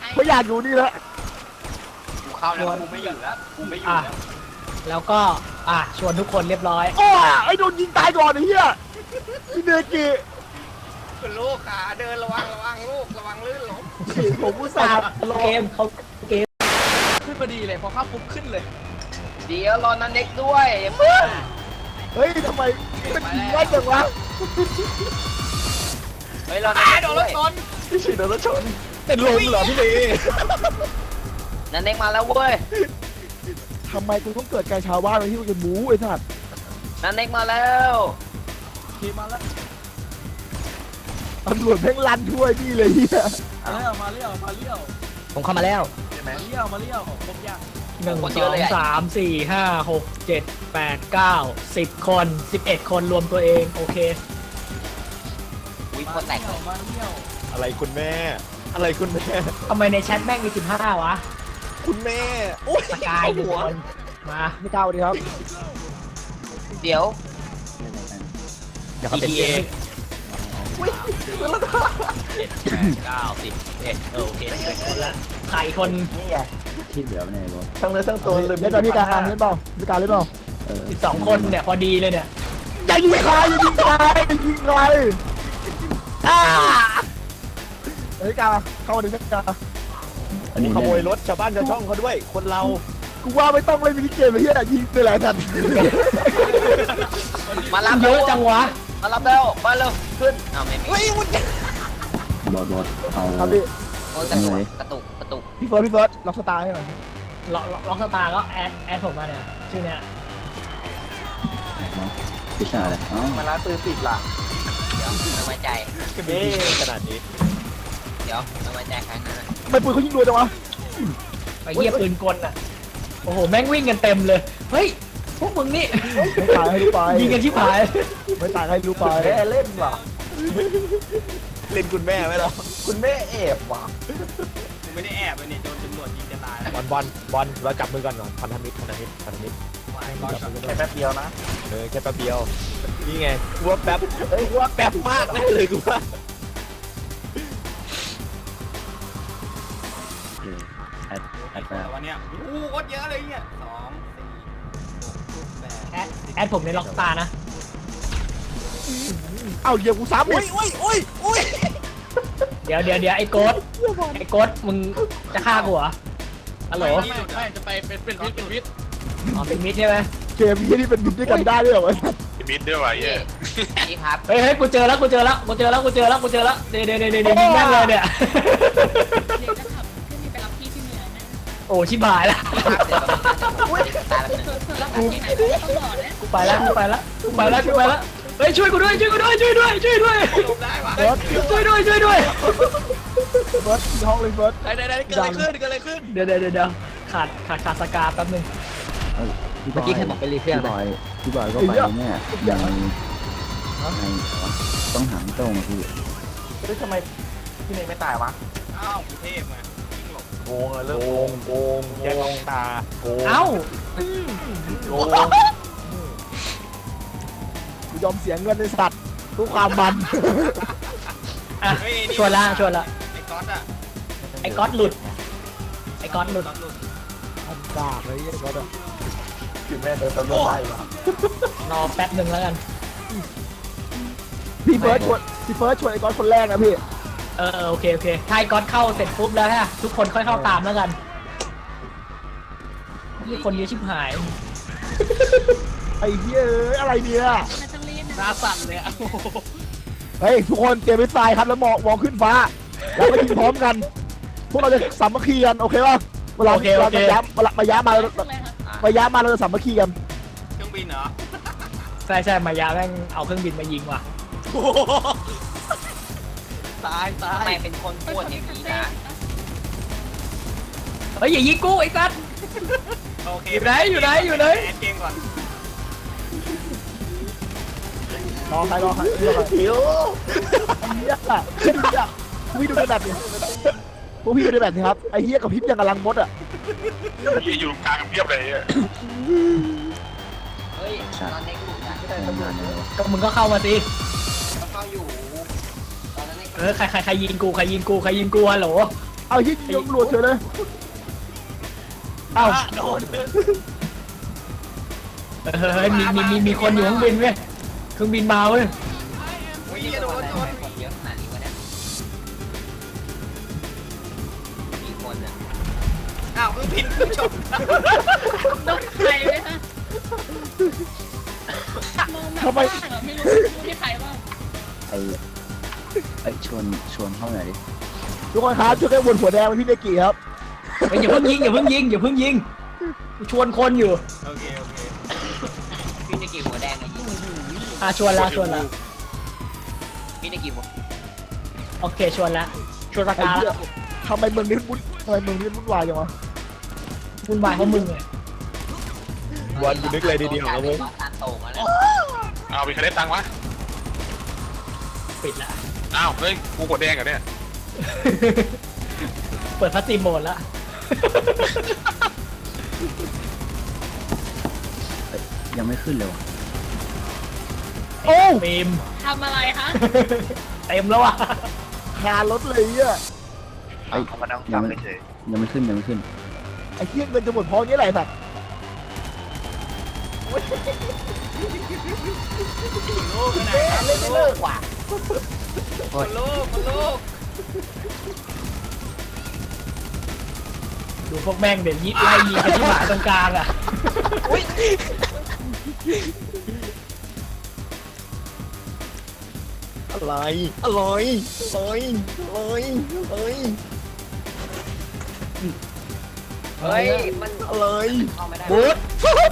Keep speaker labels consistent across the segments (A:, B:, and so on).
A: ไม่อยากอยู่นี่แล้ว
B: กูเข้าแล้วกูไม่อยู่แล้วกูไม่อยู่แล้ว
C: แล้วก็ชวนทุกคนเรียบร้อย
A: โอ้ไอ้โดนยิงตายก่อนไอ้เหี้ยพี่เนกิ
B: คุณลูกขาเดินระวังลูกระวังลื่นล้ม
A: ผมอุตส่าห์
C: เกมเขาเกม
D: ขึ้นพอดีเลยพอเข้าปุ๊บขึ้นเลย
B: เดี๋ยวรอนันเด็กด้วยเพื่อน
A: เฮ้ยทำไมมันยิงได้จังวะ
B: เฮ้ยรอนันเด็ก
D: โดน
B: ด้
D: ร
B: ว
D: ถ
B: ย
D: ชน
A: พี่ฉีดโดนรถชนเป็นลมเหรอพี่เน
B: นันเด็กมาแล้วเว้ย
A: ทำไมกูต้องเกิดการชาวบ้านมาที่กูจะหมูไอ้สัตว์
B: นันเด็กมาแล้ว
D: ขี่มาแล้ว
A: ตำรวจแม่งลั่นช่วยพี่เลยเฮีย
D: มาเลี้ยว
C: ผมเข้ามาแล้ว
D: มาเลี้ยวครบยัง
C: 1 2 3 4 5 6 7 8 9 10 คน 11 คนรวมตัวเองโอเค
B: วิ่งโคตรแตกเลย
D: มาเลี้ยว
A: อะไรคุณแม่ อะไรคุณแม่
C: ทำไมในแชทแม่งมี15วะ
A: คุณแม่โอ้ย
C: สกายหนึ่งคนมา
A: ไม่เก้าดีครับ
B: เดี๋ยว
C: เดี๋ยวเขาเป็นเกมโอเคคนละใครคน
E: ที่เหลือเนี่ยบอส
A: ทั้งเนื้อทั้งตัวเลยเล่นพี่การเล่นเปล่าพี่การเล่นเปล่า
C: 12 คนเนี่ยพอดีเลยเนี่ย
A: อย่ายิงใครอย่ายิงใครอย่ายิงใครเฮ้ยกาเข้ามาดิพี่กา
E: อันนี้
A: ขโมยรถชาวบ้านชาวช่องเขาด้วย คนเรา กูว่าไม่ต้องเล่นมินิเกมเลยเฮียยิงไปหลายทัน
B: มารับ
C: เยอะจังวะ
B: มารับแล้วมาเร็วขึ้นเอาไม่มี
E: บอสเอา
A: ครับพี่
B: โอ้ยกระตุก
A: พี่เฟิร์สล็อกสตาร์ให้หน่อย
C: ล็อกสตาร์ก็แอดผมมาเนี่ยชื่อเนี้ย
E: พิชาเลยอ๋อ
A: มาล้างปืนติดล่ะ
B: เดี๋ยวไม่ไว้ใจ
A: เอ๊ขนาดนี้
B: เดี๋ยวไม่ไว้ใจใครนะ
A: ทำไมปืนเขายิงรัวจังวะ
C: ไปเยียบปืนกลน่ะโอ้โหแม่งวิ่งกันเต็มเลยเฮ้ยพวกมึงนี่
A: ไม่ตายให้รู้ไป
C: ยิงกันชิบหาย
A: ไม่ตายให้รู้ไปเล่นว่ะเล่นคุณแม่ไหมเราคุณแม่แอบว่ะ
D: กูไม่ได้แอบเลยเนี่ยโดนตำรวจยิงจะตาย
A: บอลเราจับมือกันก่อนพันธมิตรแค่แป๊บเดียวนะแค่แป๊บเดียวนี่ไงกูว่าแป๊บกูว่าแป๊บมากเลยกูว่า
E: แอดแอด
D: แต่วันเนี้ยโคตรเยอะเลยเนี่ย2 4 6 8
C: แอดผมในล็อกสตาร์นะ
A: เอ้าเดี๋ยวกูซ้ำอุ้ย
C: เดี๋ยวไอ้โกดมึงจะฆ่ากูเหรอฮัลโหล
D: ไม่จะไปเป็นวิทย์
C: อ๋อเป็นมิดใช่ไหม
A: เกมนี้นี่เป็นบิดด้วยกันได้ด้วยเหรอวะ
F: มิดด้วยวะเย่
B: นี่ครับ
C: เฮ้ยกูเจอแล้วเดี๋ยวยิงแม่งเลยเนี่ย
G: เดี๋ยวจะขับขึ้นไปรับพี่ที่เหนือนะ
C: โอ้ชิบหายละ
B: ตายแล้ว
G: เธอรับที่ไหนต้องบอกนะ
C: กูไปแล้วเฮ้ยช่วยกูด้วย
D: ลมได้ปะ
A: เฟิร์ส
C: ช่วยด้วย
A: เฟิร์สที่ห้องเลยเฟิร์ส
D: ได้เกิดอะไรขึ้น
C: เดี๋ยวขาดสกาแป๊บนึง
E: เมื่อกี้ใครบอกไปรีเฟรชพี่บอยก็ไปเนี่ยยังต้องหางตรงพี่
A: เฮ้ยทำไมพี่เนยไม่ตายวะ
D: อ้าวกรุงเทพไงวิ่งหลบ
A: โกงอะเริ่มโกงแย่งลองตาโกง
C: เอ้า
A: โกงกูยอมเสียเงินในสัตว์เพื่อความมัน
C: อ่ะชวนละ
D: ไอ้ก๊อตอะ
C: ไอ้ก๊อตหลุด
A: ทำกากเลยไอ้ก็แบบคือแม่เดินตำรวจไล่วะ
C: รอแป๊บนึงแล้วกัน
A: พี่เฟิร์สชวนไอ้ก้อนคนแรกนะพี่
C: โอเคถ้าไอ้ก๊อตเข้าเสร็จปุ๊บแล้วฮะทุกคนค่อยเข้าตามแล้วกันนี่คนเยอะชิบหาย
A: ไอ้เหี้ยอะไรเนี่ย
G: มันต้องเล่น
D: หน้าสั่นเลยอะ
A: เฮ้ยทุกคนเตรียมไปตายครับแล้วมองขึ้นฟ้าแล้วก็ยิงพร้อมกัน พวกเราจะสามัคคีกันโอเคป่ะเวลาเราจะย้ำมาย้ำมา
G: เลยครับ
A: มาย้ำมาเราจะสามัคคีกัน
D: เครื่องบินเหรอ
C: ใช่มายาแม่งเอาเครื่องบินมายิงว่ะ
D: ตาย
B: ทำไมเป็นคนพูดอย่างนี้นะ
C: เฮ้ยอย่ายิงกูไอ้สัส
D: โอเค
C: อยู่ไหน
D: แอดเกมก่อน
A: รอใครหิวเหี้ยพี่ดูในแบบนี้พวกพี่ดูในแบบนี้ครับไอ้เหี้ยกับพริบยังกำลังมดอ่ะ
F: ยี่อยู่กลางกันเพียบเลยอ่ะ
B: เฮ้ยตอนนี้กูอยาก
E: ทำงานเลย
C: ก็มึงก็เข้ามาสิ
B: เข้าอยู่ตอนนั้น
C: ใครยิงกูฮัลโหล
E: เอายิงตำรวจเฉยเลย
C: เอ้า
D: โดน
C: เฮ้ยมีคนอยู่เครื่องบินเว้ยเครื่องบินมาเว้ย
B: อุ้ยโดน
H: เยอะขนาดนี้วะเนี่ยกี่คนอ่ะ
B: อ้าวเพิ่งพินเพิ่งชม
G: โดนใครไหมคะมองแบบว่างอะไม่รู้ที่ใครบ้าง
E: ไอ้ชวนเข้าหน่อยดิทุกคนครับช่วยกันวนหัวแดงไปพี่เนกิครับ
C: เฮ้ยอย่าเพิ่งยิงกูชวนคนอยู่
D: โอเคโอเค
H: พี่ในกี่หัวแดงไงยิง
C: ชวนละ
H: พี่ในกี่หัว
C: โอเคชวนละชวนสกาละ
E: ทำไมเมืองนี้วุ่นวายจังวะ
C: วุ่นวายเพราะมึงไง
A: วันกูนึกเลยดีๆนะเว้ย
H: ทานโตมาแล้ว
F: เอามีใครได้ตังค์วะ
C: ปิดละ
F: อ้าวเฮ้ยกูกดแดงเหรอเนี่ย
C: เปิดพัสซีโหมดละ
E: ยังไม่ขึ้นเลยวะ
C: โอ้ฟิล์ม
G: ทำอะไรคะ
C: เต็มแล้วอ่ะ
E: คารถเลยอ่ะ
B: เขามานั่งฟังเฉย
E: ยังไม่ขึ้นไอ้เที่ยเงินจะหมดพอนี้แหละแบบ
D: ลูกไปไหน
E: ไม่เลิกว่ะ
D: ลูก
C: ดูพวกแม่งเดี๋ยวยิไล่ยิงกันที่หมาตรงกลางอ่ะ
A: อะไร
H: เฮ้ยมัน
A: อะไร
H: เข้าไม่ได้
C: บูธ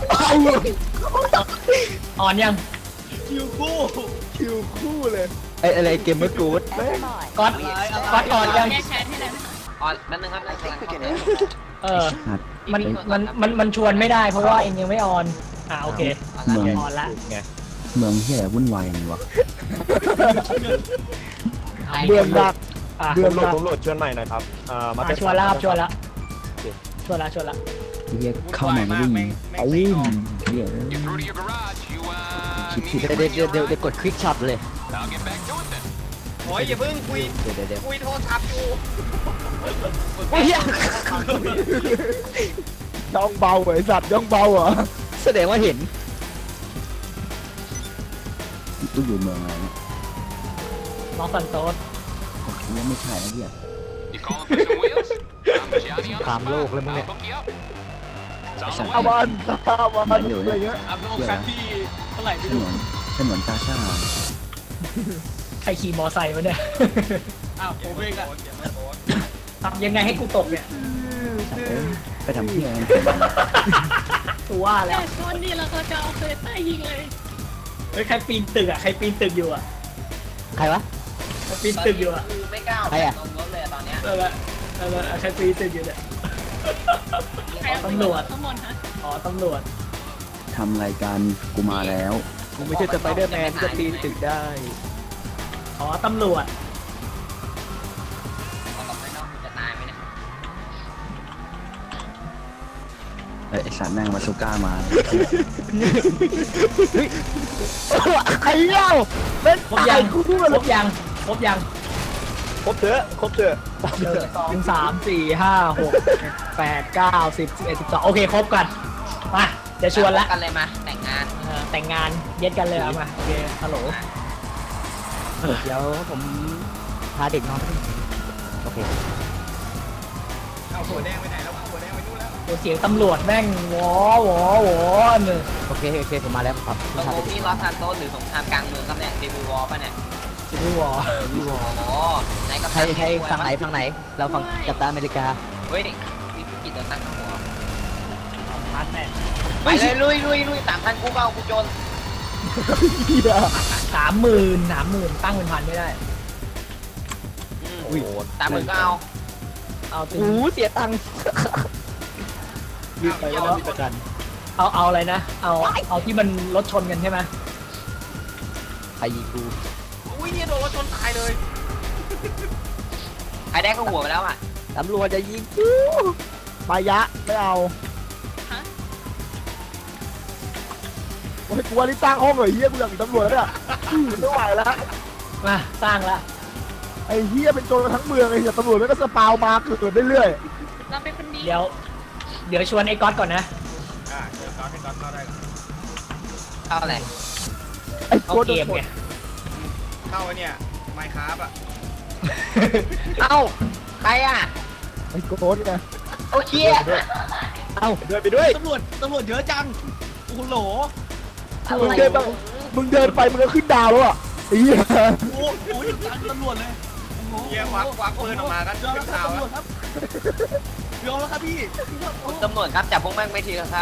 C: อ่อนยัง
A: คิวคู่เลย
E: อะไรเกมเมอร์กูด
C: ก๊อตอ่อนยัง
G: แก้แค้นให้เลยไหมคะ
H: อ๋อแป๊บนึงครับนั่งกำลังเข้าเลย
C: มันชวนไม่ได้เพราะว่าเองยังไม่ออนโอเค
E: เมือง
C: ออนละ
A: ไง
E: เมืองที่ไหนวุ่นวายอย่างนี้วะ
C: เบื่อหนัก
A: ผมโหลดชวนใหม่หน่อยครับมา
C: ชวนละครับชวนละ
E: เรียกเข้ามาไม่ได้ยิงเรียก
F: You through to your garage you
E: คิดผิดเดี๋ยวกดคลิกช็อตเลย
F: I'll get back to it then
B: โอ้ยอย่าเพิ่งคุย
E: เดี๋ยว
B: คุยโทรศัพท์อยู่
E: ย่องเบาไอ้สัตว์ย่องเบาเหรอแสดงว่าเห็นกูอยู่เมืองอะไรเนี่ย
C: น้องสันโต๊ด
E: ยังไม่ใช่นะเพี่ย
F: You calling for some wheels I'm Johnny on the spot I'll hook you up It's on the
E: เอา
F: way
E: บ้านอยู่อะไรเงี้ย
D: อัพโหลดคันที่เท่าไหร่ไม่
E: ถ
D: รู้
E: นนกาชา
C: ใครขี่มอไซค์วะเนี่ย
D: อ้าวผมเองอะ
C: ทำยังไงให้กูตกเนี่ย
E: ไปทำที่อะไร
C: กูว่าแล้
G: แต่
C: ว
G: ชนนี่แล้วก็จะเอาเคยใต้ยิงเลย
C: เฮ้ยใครปีนตึกใครปีนตึกอยู่อ่ะ
E: ใครวะ
C: ใครปีนตึกอยู่อ่ะ
H: คือไม่กล้า
E: ใครอะ
H: ลงรถเลยตอนเนี้ย
C: ใครปีนตึกอยู่เนี่ย
G: ใครเอาไปยิงข้างบนคะ
C: อ๋อตำรวจ
E: ทำรายการกูมาแล้ว
A: กูไม่ใช่สไปเดอร์แมนที่จะปีนตึกได้
C: อ๋อตำรวจ
H: เขาตกไม่นอกจะตายไหมเนี่ย
E: ไอ้สัตว์แม่งมาซูก้ามาใครเล่าเป็น
C: ครบยังครบยัง
A: ครบเถอะ
C: 1 2 3 4 5 6 8 9 10 11 12โอเคครบกันมาจะชวนละ
H: กันเลยมาแต่งงาน
C: แต่งงานเย็ดกันเลยเอามาโอเคฮัลโหล
E: เดี๋ยวผมพาเด็กนอนโอเค
B: เอาหัวแดงไปไหนแล้วหัวแดงไปนู่นแล้ว
C: ตัวเสียงตำรวจแม่งหวอหนึ่ง
E: โอเคผมมาแล้วครับ
H: ตกลงนี่ลอสซานโตสหรือสงครามกลางเมืองครับเนี่ยเดบิววอลป่ะเนี่ย
C: ซิวิวอร์
H: โอ้โหไหนกับ
E: ใครฝั่งไหนเราฝั่งกัปตันอเมริกา
H: เฮ้ยพี่กิจโดนตั้งข้างหัว
C: พันแม่
H: ไปเลยลุย3,000กูก็เอากูจน
C: 30,000ตั้งเป็นพันไม่ได้
A: อุ้ย
H: 30,000ก็เอา
C: เอาติ
E: เสียตังค์
A: ยืดไปแล้วมีประกัน
C: เอาอะไรนะเอาที่มันรถชนกันใช่ไหม
E: ใครยิงกู
B: อุ้ยเนี่ยโดนรถชนตายเลย
H: ใครได้ก็หัวไปแล้วอ่ะ
E: ตำรวจจะยิงกูมายะไม่เอา
G: ฮะ
E: โอ้ยกูว่านี่ตั้งห้องเลยเฮียกูอยากเป็นตำรวจแล้วเนี่ยไม่ไหวแล้ว
C: มาสร้างละ
I: ไอ้เหี้ยเป็นโจรทั้งเมืองไอ้เหี้ยตำรวจมันก็สปาวมาเกิดเรื่อย
G: เราเป็นคนดี
C: เดี๋ยวชวนไอ้ก๊อตก่อนนะ
B: เดี๋ยวก่อนให้ก่อนเข้าได้ก่อน
H: เข้าอะไร
I: ๆไอ้
C: เอา
I: โจร
C: เกมไง
B: เข้าไอ้เนี่ยไมค์ครับอ่ะ
H: เอ้าใครอ่ะ
I: ไอ้โจรไง
H: โอเค
C: เอ้า
A: เดินไปด้วย
D: ตำรวจเยอะจังโอ้โหโหล
I: มึงเดินไปมึงก็ขึ้นดาวแล้วอ่ะไอ้เหี้ย
D: โอ้โหจังตำรวจเลยโอ้โห
B: เฮียควักปืนออกมากัน
D: ยอม
B: ขึ้
D: แล้ว
B: น
D: ครับ
B: ข่าว
D: ตำร
B: แล้ว
D: จครับยอมแล้วครับพี่
H: ตำรวจครับจับพวกแม่งไปทีครับ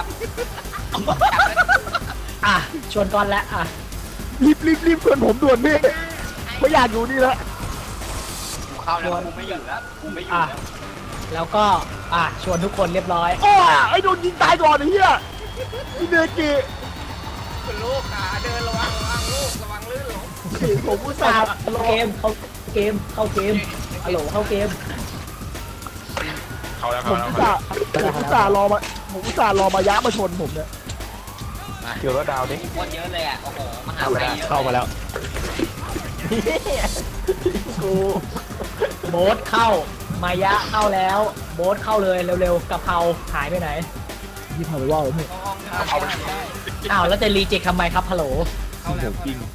C: อ่ะชวนก๊อตแล้วอ่ะ
I: รีบชวนผมด่วนพี่ไม่อยากอยู่นี่แล้ว
H: กูเข้าแล้วกูไม่อยู่แล้วกูไม่อยู่
C: อ่ะ
H: แล้ว
C: แล้วก็ชวนทุกคนเรียบร้อย
I: โอ้ไอ้โดนยิงตายก่อนไอ้เหี้ยพี่เนกิ
B: คุณลูกขาเดินระวังลูกระวังลื่นหลง
I: ผมอุตส่าห์ร
C: เข้า
I: อ
C: เกมเข้าเกมฮัลโหลเข้าเกม
F: เข้าแล้ว
I: ผม
F: เข้า
I: อุ
F: แล้ว
I: ตส่าห์รอมาย้ามาชนผมเนี่ย
A: เกี่ยวรถดาวดิ
H: คนเยอะเลยอ่ะโอ้โหมหาลัยเยอะ
A: เข้ามาแล้ว
C: กูโบ๊ทเข้ามายะเข้าแล้วโบ๊ทเข้าเลยเร็วๆกะเพราหายไปไหน
I: ยี่ห้อไปว่าผมเนี่ย
D: เข้าห้องได้
C: อ้าวแล้วจะรีเจ็คทำไมครับฮัลโหล
D: เข้าแล้ว
A: จริง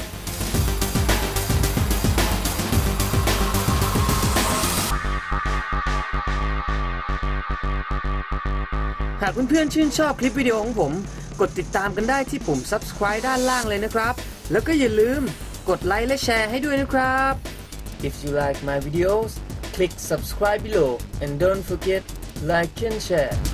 J: หากเพื่อนๆชื่นชอบคลิปวิดีโอของผม กดติดตามกันได้ที่ปุ่ม subscribe ด้านล่างเลยนะครับ แล้วก็อย่าลืมกดไลค์และแชร์ให้ด้วยนะครับ If you like my videos click subscribe below and don't forget like and share